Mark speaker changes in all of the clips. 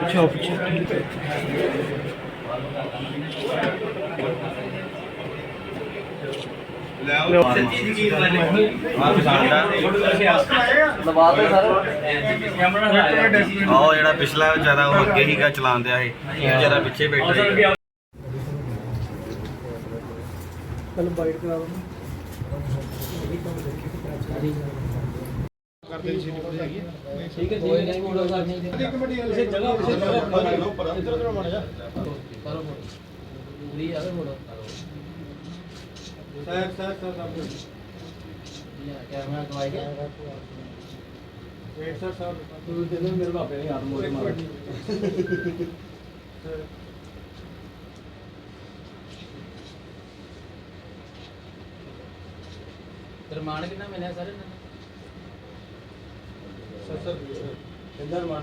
Speaker 1: अच्छा पीछे
Speaker 2: ਜਿਹੜਾ ਪਿਛਲਾ ਵਿਚਾਰਾ ਉਹ ਅੱਗੇ ਹੀਗਾ ਚਲਾਉਣ ਦਿਆ ਸੀ ਵਿਚਾਰਾ ਪਿੱਛੇ ਬੈਠਾ ਸੀ
Speaker 1: चलो बाइट करा दो
Speaker 3: ਕਰਦੇ ਸੀ ਹੈਗੀ
Speaker 1: ठीक है नहीं मोड़ो सर नहीं
Speaker 3: ਇੱਕ ਮਿੰਟ
Speaker 1: इसे जगह
Speaker 3: ਇੱਧਰ ਉਧਰ ਮਾੜਾ ਜਾ
Speaker 1: करो पूरी आगे मोड़ो
Speaker 3: ਸਰ
Speaker 1: कैमरा दवाई क्या
Speaker 3: ਵੇਟ ਸਰ
Speaker 1: तू दे दे मेरे बाप ने हाथ मोड़े मारो रिमांड कितना मिला सर
Speaker 3: ਸਰ
Speaker 1: इंदर मान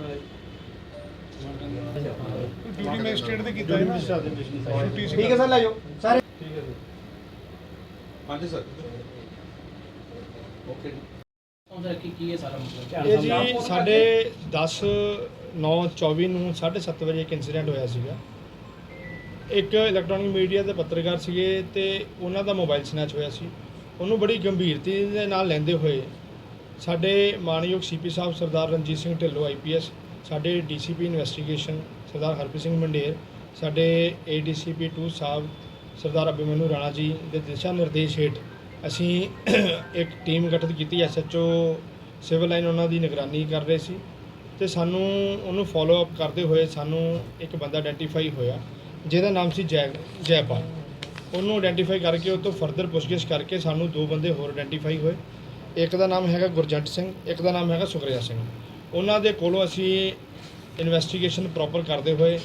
Speaker 3: ਡਿਊਟੀ ਮੈਜਿਸਟ੍ਰੇਟ ਦੇ ਕੀਤਾ ਹੈ ਨਾ ਡਿਊਟੀ
Speaker 1: ठीक है सर ले जाओ सर
Speaker 3: ਠੀਕ ਹੈ ਸਰ ਹਾਂਜੀ ਸਰ ਓਕੇ
Speaker 1: ਕੀ ਹੈ ਸਾਰਾ ਮਸਲਾ
Speaker 4: ਇਹ ਜੀ ਸਾਡੇ 10/9/24 ਨੂੰ 7:30 ਵਜੇ ਇੱਕ ਇਨਸੀਡੈਂਟ ਹੋਇਆ ਸੀਗਾ। ਇੱਕ ਇਲੈਕਟ੍ਰੋਨਿਕ ਮੀਡੀਆ ਦੇ ਪੱਤਰਕਾਰ ਸੀਗੇ ਤੇ ਉਹਨਾਂ ਦਾ ਮੋਬਾਈਲ ਸਨੈਚ ਹੋਇਆ ਸੀ। ਉਹਨੂੰ ਬੜੀ ਗੰਭੀਰਤਾ ਦੇ ਨਾਲ ਲੈਂਦੇ ਹੋਏ ਸਾਡੇ ਮਾਨਯੋਗ ਸੀਪੀ ਸਾਹਿਬ ਸਰਦਾਰ ਰਣਜੀਤ ਸਿੰਘ ਢਿੱਲੋਂ IPS, ਸਾਡੇ DCP ਇਨਵੈਸਟੀਗੇਸ਼ਨ ਸਰਦਾਰ ਹਰਪ੍ਰੀਤ ਸਿੰਘ ਮੰਡੇਰ, ਸਾਡੇ ADCP 2 ਸਾਹਿਬ ਸਰਦਾਰ ਅਭਿਮਨੂ ਰਾਣਾ ਜੀ ਦੇ ਦਿਸ਼ਾ ਨਿਰਦੇਸ਼ ਹੇਠ ਅਸੀਂ ਇੱਕ ਟੀਮ ਗਠਿਤ ਕੀਤੀ। SHO ਸਿਵਲ ਲਾਈਨ ਉਹਨਾਂ ਦੀ ਨਿਗਰਾਨੀ ਕਰ ਰਹੇ ਸੀ ਤੇ ਸਾਨੂੰ ਉਹਨੂੰ ਫੋਲੋ ਅਪ ਕਰਦੇ ਹੋਏ ਸਾਨੂੰ ਇੱਕ ਬੰਦਾ ਆਇਡੈਂਟੀਫਾਈ ਹੋਇਆ ਜਿਹਦਾ ਨਾਮ ਸੀ ਜੈਪਾਲ। ਉਹਨੂੰ ਆਇਡੈਂਟੀਫਾਈ ਕਰਕੇ ਉਹ ਤੋਂ ਫਰਦਰ ਪੁੱਛਗਿੱਛ ਕਰਕੇ ਸਾਨੂੰ ਦੋ ਬੰਦੇ ਹੋਰ ਆਇਡੈਂਟੀਫਾਈ ਹੋਏ। ਇੱਕ ਦਾ ਨਾਮ ਹੈਗਾ ਗੁਰਜੰਟ ਸਿੰਘ, ਇੱਕ ਦਾ ਨਾਮ ਹੈਗਾ ਸੁਖਰਿਆ ਸਿੰਘ। ਉਹਨਾਂ ਦੇ ਕੋਲੋਂ ਅਸੀਂ ਇਨਵੈਸਟੀਗੇਸ਼ਨ ਪ੍ਰੋਪਰ ਕਰਦੇ ਹੋਏ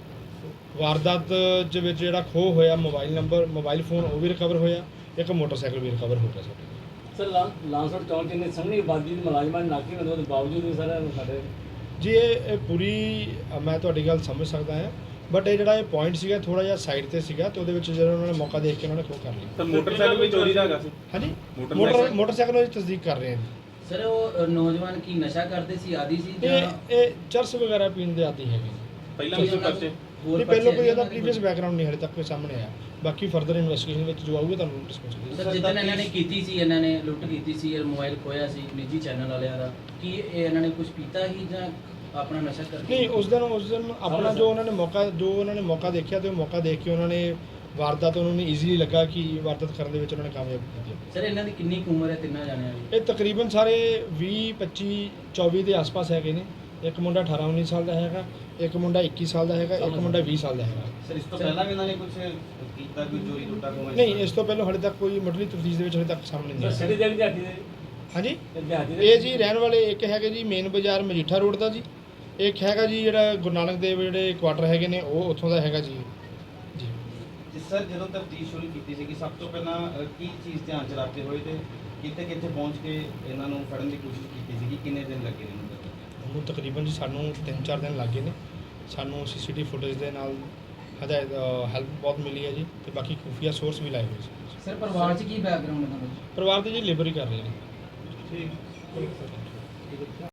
Speaker 4: ਵਾਰਦਾਤ ਦੇ ਵਿੱਚ ਜਿਹੜਾ ਖੋਹ ਹੋਇਆ ਮੋਬਾਈਲ ਫੋਨ ਉਹ ਵੀ ਰਿਕਵਰ ਹੋਇਆ, ਇੱਕ ਮੋਟਰਸਾਈਕਲ ਵੀ ਰਿਕਵਰ ਹੋ ਗਿਆ ਸਾਡੇ।
Speaker 1: ਸਰ ਲਾਂਸਰ ਚੌਂਕ ਕਿੰਨੇ ਸੰਘਣੀ ਆਬਾਦੀ ਦੇ ਮੁਲਾਜ਼ਮਾਂ ਨੇ ਨਾਕੀ ਬੰਦੇ ਦੇ ਬਾਵਜੂਦ ਵੀ ਸਰ ਸਾਡੇ
Speaker 4: ਜੀ ਇਹ ਪੂਰੀ ਮੈਂ ਤੁਹਾਡੀ ਗੱਲ ਸਮਝ ਸਕਦਾ ਹਾਂ, ਬਟ ਇਹ ਜਿਹੜਾ ਇਹ ਪੁਆਇੰਟ ਸੀਗਾ ਥੋੜਾ ਜਿਹਾ ਸਾਈਡ ਤੇ ਸੀਗਾ ਤੇ ਉਹਦੇ ਵਿੱਚ ਜਦੋਂ ਉਹਨਾਂ ਨੇ ਮੌਕਾ ਦੇਖ ਕੇ ਉਹਨਾਂ ਨੇ ਖੋਹ ਕਰ ਲਈ।
Speaker 3: ਸਰ ਮੋਟਰਸਾਈਕਲ ਵੀ ਚੋਰੀ ਦਾ ਹੈਗਾ ਸੀ।
Speaker 4: ਹਾਂਜੀ ਮੋਟਰਸਾਈਕਲ ਦੀ ਤਸਦੀਕ ਕਰ ਰਹੇ ਹਾਂ।
Speaker 5: ਸਰ ਉਹ ਨੌਜਵਾਨ ਕੀ ਨਸ਼ਾ ਕਰਦੇ ਸੀ, ਆਦੀ ਸੀ ਜਾਂ
Speaker 4: ਇਹ ਚਰਸ ਵਗੈਰਾ ਪੀਣ ਦੇ ਆਦੀ ਹੈਗੇ।
Speaker 3: ਪਹਿਲਾਂ ਵੀ ਪਰਚੇ
Speaker 4: ਨਹੀਂ ਪਹਿਲਾਂ ਕੋਈ ਇਹਦਾ ਪ੍ਰੀਵੀਅਸ ਬੈਕਗ੍ਰਾਉਂਡ ਨਹੀਂ ਹਲੇ ਤੱਕ ਕੋਈ ਸਾਹਮਣੇ ਆਇਆ। ਬਾਕੀ ਫਰਦਰ ਇਨਵੈਸਟੀਗੇਸ਼ਨ ਵਿੱਚ ਜੋ ਆਊਗਾ ਤੁਹਾਨੂੰ ਡਿਸਕਸ ਕਰਾਂਗੇ।
Speaker 5: ਸਰ ਜਿੱਦਣ ਇਹਨਾਂ ਨੇ ਕੀਤੀ ਸੀ, ਇਹਨਾਂ ਨੇ ਲੁੱਟ ਕੀਤੀ ਸੀ, ਇਹ ਮੋਬਾਈਲ ਖੋਇਆ ਸੀ ਨਿੱਜੀ ਚੈਨਲ ਵਾਲਿਆਂ ਦਾ, ਕੀ ਇਹ ਇਹਨਾਂ ਨੇ ਕੁਝ ਪੀਤਾ ਹੀ ਜਾਂ ਆਪਣਾ ਨਸ਼ਾ ਕਰਕੇ?
Speaker 4: ਨਹੀਂ ਉਸ ਦਿਨ ਆਪਣਾ ਜੋ ਉਹਨਾਂ ਨੇ ਮੌਕਾ ਦੇਖਿਆ ਤੇ ਉਹ ਮੌਕਾ ਦੇਖ ਕੇ ਉਹਨਾਂ ਨੇ ਵਾਰਦਾਤ ਉਹਨਾਂ ਨੂੰ ਈਜ਼ੀਲੀ ਲੱਗਾ ਕਿ ਵਾਰਦਾਤ ਕਰਨ ਦੇ ਵਿੱਚ ਉਹਨਾਂ ਨੇ ਕਾਮਯਾਬ ਕੀਤੀ।
Speaker 5: ਸਰ ਇਹਨਾਂ ਦੀ ਕਿੰਨੀ ਕੁ ਉਮਰ ਹੈ ਤਿੰਨਾਂ ਜਾਣਿਆਂ ਦੀ?
Speaker 4: ਇਹ ਤਕਰੀਬਨ ਸਾਰੇ 20 25 24 ਦੇ ਆਸ-ਪਾਸ ਹੈਗੇ ਨੇ। ਇੱਕ ਮੁੰਡਾ 18 19 ਸਾਲ ਦਾ ਹੈਗਾ, ਇੱਕ ਮੁੰਡਾ 21 ਸਾਲ ਦਾ ਹੈਗਾ, ਇੱਕ ਮੁੰਡਾ 20 ਸਾਲ ਦਾ ਹੈਗਾ।
Speaker 2: ਸਰ ਇਸ ਤੋਂ ਪਹਿਲਾਂ ਵੀ ਇਹਨਾਂ ਨੇ ਕੁਝ ਕੀਤਾ, ਕੋਈ ਚੋਰੀ ਲੁੱਟਾ ਕੋਈ?
Speaker 4: ਨਹੀਂ ਇਸ ਤੋਂ ਪਹਿਲਾਂ ਹਾਲੇ ਤੱਕ ਕੋਈ ਮੁੱਢਲੀ ਤਫਤੀਸ਼ ਦੇ ਵਿੱਚ ਹਾਲੇ ਤੱਕ ਸਾਹਮਣੇ ਨਹੀਂ
Speaker 1: ਸਰ
Speaker 4: ਆਇਆ।
Speaker 1: ਸਿੱਧੀ ਦਿਹਾੜੀ ਦੇ
Speaker 4: ਹਾਂਜੀ
Speaker 1: ਦਿਹਾੜੀ ਦੇ
Speaker 4: ਇਹ ਜੀ ਰਹਿਣ ਵਾਲੇ ਇੱਕ ਹੈਗੇ ਜੀ ਮੇਨ ਬਾਜ਼ਾਰ ਮਜੀਠਾ ਰੋਡ ਦਾ ਜੀ, ਇੱਕ ਹੈਗਾ ਜੀ ਜਿਹੜਾ ਗੁਰੂ ਨਾਨਕ ਦੇਵ ਜਿਹੜੇ ਕੁਆਟਰ ਹੈਗੇ ਨੇ ਉਹ ਉੱਥੋਂ ਦਾ ਹੈਗਾ ਜੀ। ਜੀ
Speaker 2: ਜਿਸ ਸਰ ਜਦੋਂ ਤਫਤੀਸ਼ ਸ਼ੁਰੂ ਕੀਤੀ ਸੀ ਕਿ ਸਭ ਤੋਂ ਪਹਿਲਾਂ ਕੀ ਚੀਜ਼ ਧਿਆਨ ਚ ਰੱਖਦੇ ਹੋਏ ਤੇ ਕਿੱਥੇ ਪਹੁੰਚ ਕੇ ਇਹਨਾਂ ਨੂੰ ਫੜਨ ਦੀ ਕੋਸ਼ਿਸ਼ ਕੀਤੀ ਸੀ ਕਿ ਕਿੰਨੇ ਦਿਨ ਲੱਗੇ ਨੇ?
Speaker 4: ਉਹਨੂੰ ਤਕਰੀਬਨ ਜੀ ਸਾਨੂੰ 3-4 ਦਿਨ ਲੱਗੇ ਨੇ। ਸਾਨੂੰ CCTV ਫੁਟੇਜ ਦੇ ਨਾਲ ਹੈਲਪ ਬਹੁਤ ਮਿਲੀ ਹੈ ਜੀ ਤੇ ਬਾਕੀ ਖੁਫੀਆ ਸੋਰਸ ਵੀ ਲਾਏ ਹੋਏ ਸੀ।
Speaker 5: ਸਰ ਪਰਿਵਾਰ 'ਚ ਕੀ ਬੈਕਗ੍ਰਾਉਂਡ ਹੈ?
Speaker 4: ਪਰਿਵਾਰ ਦੇ ਜੀ ਲੇਬਰ ਹੀ ਕਰ ਰਹੇ ਨੇ।
Speaker 3: ਠੀਕ